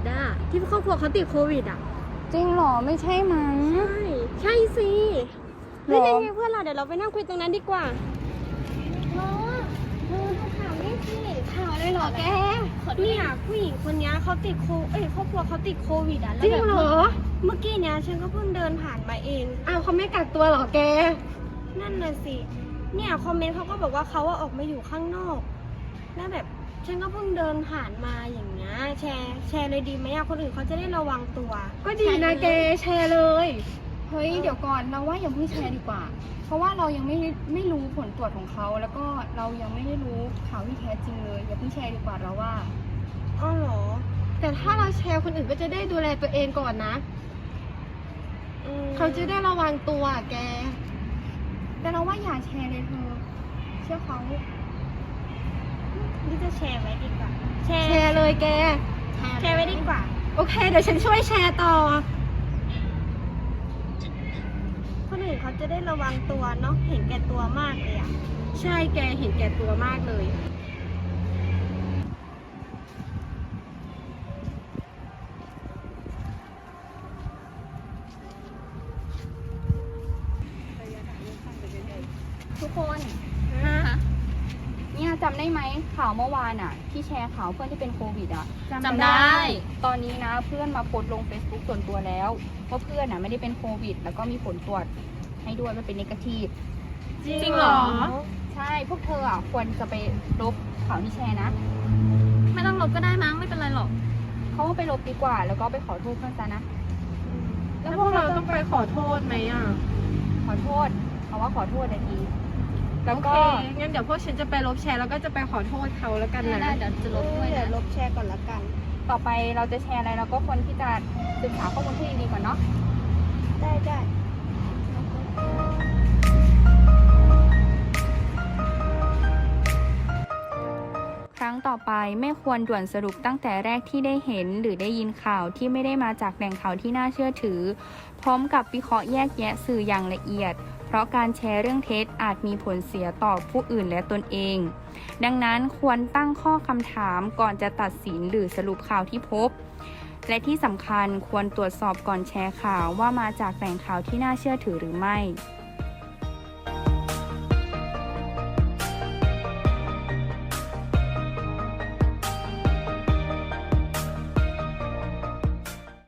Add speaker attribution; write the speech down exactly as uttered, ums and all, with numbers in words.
Speaker 1: ดอ่ะที่ครอบครัวเขาติดโควิดอ่ะ
Speaker 2: จริงเหรอไม่ใช่มั้ง
Speaker 1: ใช่ใช่สิ
Speaker 2: หร
Speaker 1: เฮ้ย
Speaker 2: อ
Speaker 1: นี่ไงเพื่อนเราเดี๋ยวเราไปนั่งคุยตรงนั้นดีกว่าเนาะเธอดูข่าวนี่สิข่าวเลยเหรอแกเนี่ยผู้หญิงคนนี้เขาติดโคเอ้ยครอบครัวเขาติดโควิดอ่ะแล้วแบบเมื่อกี้เนี้ยฉันก็เพิ่งเดินผ่านมาเองอ้าวเขาไม่กักตัวเหรอแกนั่นน่ะสิเนี่ยคอมเมนต์เขาก็บอกว่าเขาว่าออกมาอยู่ข้างนอกแล้วแบบฉันก็เพิ่งเดินผ่านมาอย่างเงี้ยแชร์แชร์เลยดีไหมอะคนอื่นเขาจะได้ระวังตัวก็ดีนะแกแชร์เลย
Speaker 2: เฮ้ยเดี๋ยวก่อนเราว่าอย่าเพิ่งแชร์ดีกว่า เพราะว่าเรายังไม่ไม่รู้ผลตรวจของเขาแล้วก็เรายังไม่ได้รู้ข่าวที่แท้จริงเลยอย่าเพิ่งแชร์ดีกว่าเราว่า
Speaker 1: อ๋อเหรอแต่ถ้าเราแชร์คนอื่นก็จะได้ดูแลตัวเองก่อนนะเขาจะได้ระวังตัวแก
Speaker 2: แต่เราว่าอย่าแชร์เลยเธอเชื่อเขา
Speaker 1: นี่จะแชร์ไว้ดีกว่าแชร์แชร์เลยแกแชร์ไว้ดีกว่าโอเคเดี๋ยวฉันช่วยแชร์ต่อคนอื่นเขาจะได้ระวังตัวเนาะเห็นแก่ตัวมากเลยอ่ะใช่แกเห็นแก่ตัวมากเลย
Speaker 2: ทุกคนเนี่ยจำได้ไหมข่าวเมื่อวานอ่ะ ที่แชร์ข่าวเพื่อนที่เป็นโควิดอ่ะ
Speaker 3: จำได้
Speaker 2: ตอนนี้นะเพื่อนมาโพสต์ลง Facebook ส่วนตัวแล้วว่าเพื่อนอ่ะไม่ได้เป็นโควิดแล้วก็มีผลตรวจให้ด้วยมันเป็นเนกาทีฟ
Speaker 3: จริงเหรอ
Speaker 2: ใช่พวกเธออ่ะควรจะไปลบข่าวที่แชร์นะ
Speaker 3: ไม่ต้องลบก็ได้มั้งไม่เป็นไรหรอก
Speaker 2: เขาว่าไปลบดีกว่า แล้วก็ไปขอโทษเพื่อนซะนะ
Speaker 1: แล้วพวกเราต้องไปขอโทษไหมอ่ะ
Speaker 2: ขอโทษเขาว่าขอโทษนาทีแล้วก็
Speaker 1: โอเคงั้นเดี๋ยวพวกฉันจะไปลบแชร์แล้วก็จะไปขอโทษเขาแล้วกันนะ
Speaker 3: ได้ๆเดี๋ยวจะลบด้วยนะ
Speaker 1: เดี๋ยวลบแชร์ก่อนละกัน
Speaker 2: ต่อไปเราจะแชร์อะไรเราก็ควรที่จะศึกษาข้อมูลที่ดีๆก่อนเนาะ
Speaker 1: ได้ได้
Speaker 2: ครั้งต่อไปไม่ควรด่วนสรุปตั้งแต่แรกที่ได้เห็นหรือได้ยินข่าวที่ไม่ได้มาจากแหล่งข่าวที่น่าเชื่อถือพร้อมกับวิเคราะห์แยกแยะสื่ออย่างละเอียดเพราะการแชร์เรื่องเท็จอาจมีผลเสียต่อผู้อื่นและตนเองดังนั้นควรตั้งข้อคำถามก่อนจะตัดสินหรือสรุปข่าวที่พบและที่สำคัญควรตรวจสอบก่อนแชร์ข่าวว่ามาจากแหล่งข่าวที่น่าเชื่อถือหรือไม่